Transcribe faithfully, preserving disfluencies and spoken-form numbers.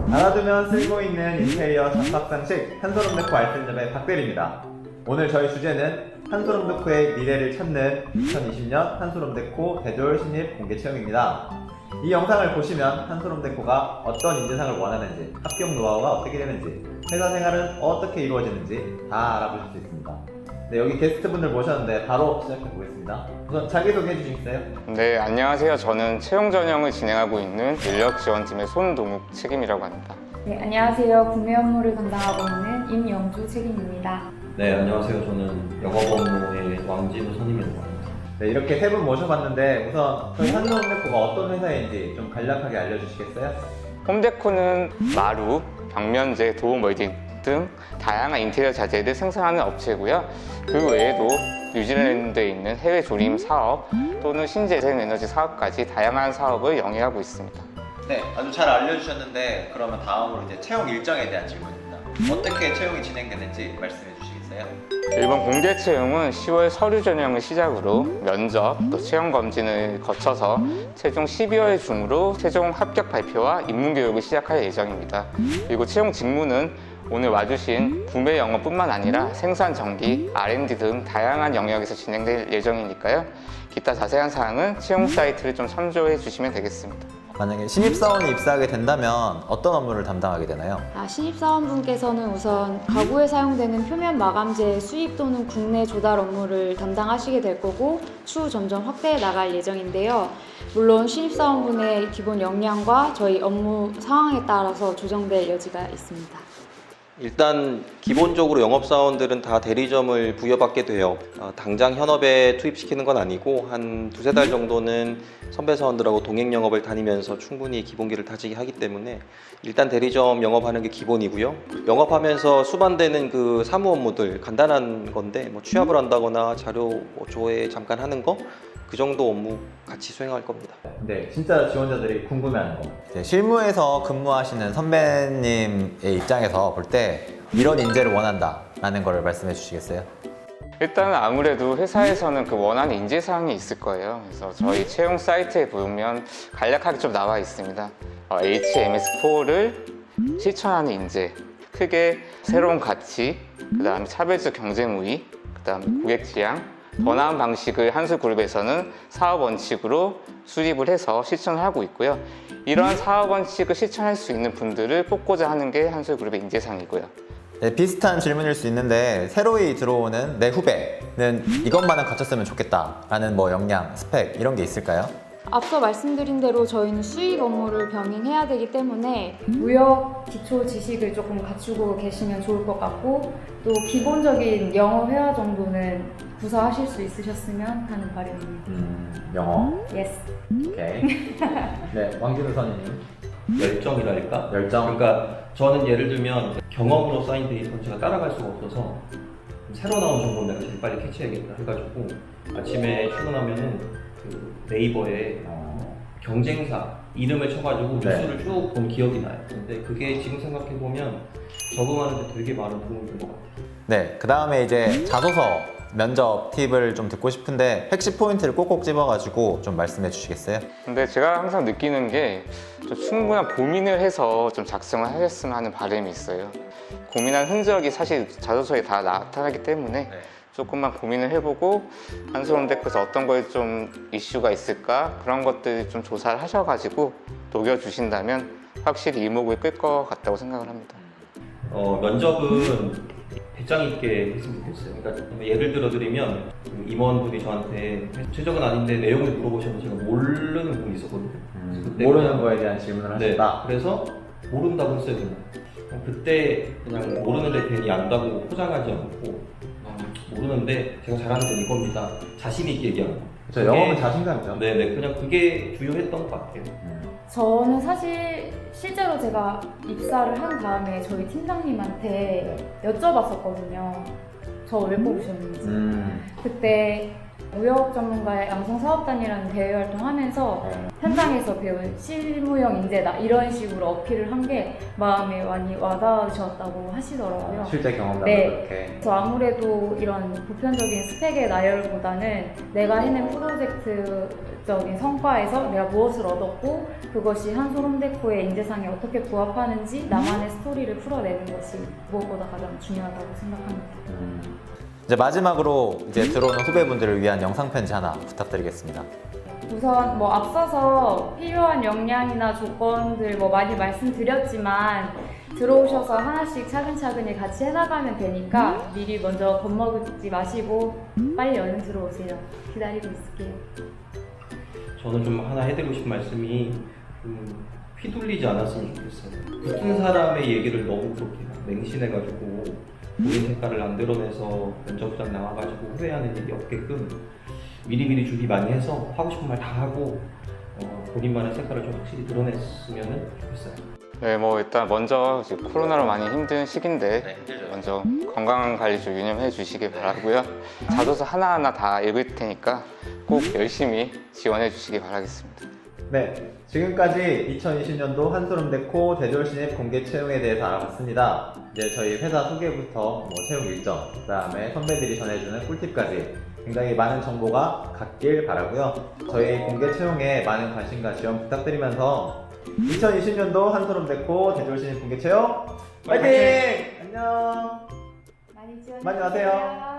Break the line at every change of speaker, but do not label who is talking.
알아두면 쓸고 있는 인테리어 잡박상식 한소름데코 알뜰점의 박대리입니다. 오늘 저희 주제는 한소름데코의 미래를 찾는 이천이십 년 한소름데코 대졸 신입 공개 체험입니다. 이 영상을 보시면 한소름데코가 어떤 인재상을 원하는지, 합격 노하우가 어떻게 되는지, 회사 생활은 어떻게 이루어지는지 다 알아보실 수 있습니다. 네, 여기 게스트분들 모셨는데 바로 시작해 보겠습니다. 우선 자기소개해 주시겠어요?
네, 안녕하세요. 저는 채용 전형을 진행하고 있는 인력지원팀의 손동욱 책임이라고 합니다.
네, 안녕하세요. 구매 업무를 담당하고 있는 임영주 책임입니다.
네, 안녕하세요. 저는 영업 업무의 왕진우 선임이라고 합니다.
네, 이렇게 세 분 모셔봤는데 우선 저희 한소름데코가 어떤 회사인지 좀 간략하게 알려주시겠어요?
홈데코는 마루, 벽면제, 도움 웰딩 등 다양한 인테리어 자재를 생산하는 업체고요. 그 외에도 뉴질랜드에 있는 해외 조림 사업 또는 신재생에너지 사업까지 다양한 사업을 영위하고 있습니다.
네, 아주 잘 알려주셨는데 그러면 다음으로 이제 채용 일정에 대한 질문입니다. 어떻게 채용이 진행되는지 말씀해 주시겠어요?
이번 공개 채용은 시월 서류 전형을 시작으로 면접 또 체험 검진을 거쳐서 최종 십이월 중으로 최종 합격 발표와 입문 교육을 시작할 예정입니다. 그리고 채용 직무는 오늘 와주신 구매 영업뿐만 아니라 생산, 전기, 알 앤 디 등 다양한 영역에서 진행될 예정이니까요. 기타 자세한 사항은 채용 사이트를 좀 참조해 주시면 되겠습니다.
만약에 신입사원이 입사하게 된다면 어떤 업무를 담당하게 되나요?
아, 신입사원분께서는 우선 가구에 사용되는 표면 마감재 수입 또는 국내 조달 업무를 담당하시게 될 거고 추후 점점 확대해 나갈 예정인데요. 물론 신입사원분의 기본 역량과 저희 업무 상황에 따라서 조정될 여지가 있습니다.
일단 기본적으로 영업사원들은 다 대리점을 부여받게 돼요. 어, 당장 현업에 투입시키는 건 아니고 한 두세 달 정도는 선배 사원들하고 동행 영업을 다니면서 충분히 기본기를 다지게 하기 때문에 일단 대리점 영업하는 게 기본이고요. 영업하면서 수반되는 그 사무 업무들 간단한 건데 뭐 취합을 한다거나 자료 조회 잠깐 하는 거 그 정도 업무 같이 수행할 겁니다.
네, 진짜 지원자들이 궁금해하는 거.
이제 실무에서 근무하시는 선배님의 입장에서 볼 때 이런 인재를 원한다 라는 걸 말씀해 주시겠어요?
일단 아무래도 회사에서는 그 원하는 인재사항이 있을 거예요. 그래서 저희 채용 사이트에 보면 간략하게 좀 나와 있습니다. 어, 에이치 엠 에스 사를 실천하는 인재, 크게 새로운 가치, 그 다음에 차별적 경쟁 우위, 그 다음에 고객 지향, 더 나은 방식을 한솔그룹에서는 사업 원칙으로 수립을 해서 실천을 하고 있고요. 이러한 사업 원칙을 실천할 수 있는 분들을 뽑고자 하는 게 한솔그룹의 인재상이고요.
네, 비슷한 질문일 수 있는데 새로이 들어오는 내 후배는 이것만은 갖췄으면 좋겠다 라는 뭐 역량, 스펙 이런 게 있을까요?
앞서 말씀드린 대로 저희는 수입 업무를 병행해야 되기 때문에 무역 기초 지식을 조금 갖추고 계시면 좋을 것 같고 또 기본적인 영어 회화 정도는 구사하실 수 있으셨으면 하는 바람입니다.
음, 영어.
예스.
오케이. 네, 왕진우 선임님.
열정이랄까?
열정.
그러니까 저는 예를 들면 경험으로 쌓인 데이터는 제가 따라갈 수가 없어서 새로 나온 정보는 내가 제일 빨리 캐치해야겠다 해가지고 아침에 출근하면은 그 네이버에 어, 경쟁사 이름을 쳐가지고
네.
뉴스를 쭉 본 기억이 나요. 근데 그게 지금 생각해보면 적응하는데 되게 많은 도움이 된 것 같아요.
네, 그 다음에 이제 자소서 면접 팁을 좀 듣고 싶은데 핵심 포인트를 꼭꼭 집어가지고 좀 말씀해 주시겠어요?
근데 제가 항상 느끼는 게 좀 충분한 고민을 해서 좀 작성을 하셨으면 하는 바람이 있어요. 고민한 흔적이 사실 자소서에 다 나타나기 때문에
네.
조금만 고민을 해보고 한솔데코에서 어떤 거에 좀 이슈가 있을까 그런 것들 좀 조사를 하셔가지고 녹여주신다면 확실히 이목을 끌 것 같다고 생각을 합니다.
어, 면접은 배짱 있게 했으면 좋겠어요. 그러니까 예를 들어 드리면 그 임원분이 저한테 최적은 아닌데 내용을 물어보셨는데 제가 모르는 부분이 있었거든요.
음,
그때
모르는
그냥-
거에 대한 질문을
네,
하셨다.
그래서 모른다고 했어요. 그냥. 그때 그냥 모르는데 괜히 안다고 포장하지 않고 음, 모르는데 제가 잘하는 건 이겁니다. 자신 있게 얘기하는 거.
그렇죠,
그게-
영어는 자신감이죠.
네네, 그냥 그게 주요했던 것 같아요.
음.
저는 사실 실제로 제가 입사를 한 다음에 저희 팀장님한테 여쭤봤었거든요. 저 왜 뽑으셨는지.
음.
그때 무역 전문가의 양성 사업단이라는 대외 활동하면서 현장에서 배운 실무형 인재다 이런 식으로 어필을 한 게 마음에 많이 와닿으셨다고 하시더라고요.
실제 경험담도
네.
그렇게.
그래서 아무래도 이런 보편적인 스펙의 나열보다는 내가 해낸 프로젝트적인 성과에서 내가 무엇을 얻었고 그것이 한솔홈데코의 인재상에 어떻게 부합하는지 나만의 스토리를 풀어내는 것이 무엇보다 가장 중요하다고 생각합니다.
음,
이제 마지막으로 이제 들어오는 후배분들을 위한 영상 편지 하나 부탁드리겠습니다.
우선 뭐 앞서서 필요한 역량이나 조건들 뭐 많이 말씀드렸지만 들어오셔서 하나씩 차근차근히 같이 해나가면 되니까 미리 먼저 겁먹지 마시고 빨리 얼른 들어오세요. 기다리고 있을게요.
저는 좀 하나 해드리고 싶은 말씀이 음, 휘둘리지 않았으면 좋겠어요. 붙은 사람의 얘기를 너무 그렇게 맹신해가지고 본인 색깔을 안 드러내서 면접장 나와가지고 후회하는 일이 없게끔 미리미리 준비 많이 해서 하고 싶은 말 다 하고 어, 본인만의 색깔을 좀 확실히 드러냈으면 좋겠어요.
네, 뭐 일단 먼저 지금 코로나로 많이 힘든 시기인데
네, 힘들죠.
먼저 건강 관리 좀 유념해 주시길 바라고요. 자소서 하나하나 다 읽을 테니까 꼭 열심히 지원해 주시기 바라겠습니다.
네, 지금까지 이천이십 년도 한솔홈데코 대졸 신입 공개 채용에 대해서 알아봤습니다. 이제 저희 회사 소개부터 뭐 채용 일정, 그 다음에 선배들이 전해주는 꿀팁까지 굉장히 많은 정보가 갔길 바라고요. 저희 공개 채용에 많은 관심과 지원 부탁드리면서 이천이십 년도 한솔홈데코 대졸 신입 공개 채용 화이팅! 안녕!
많이 지원해
많이 와세요.
주세요.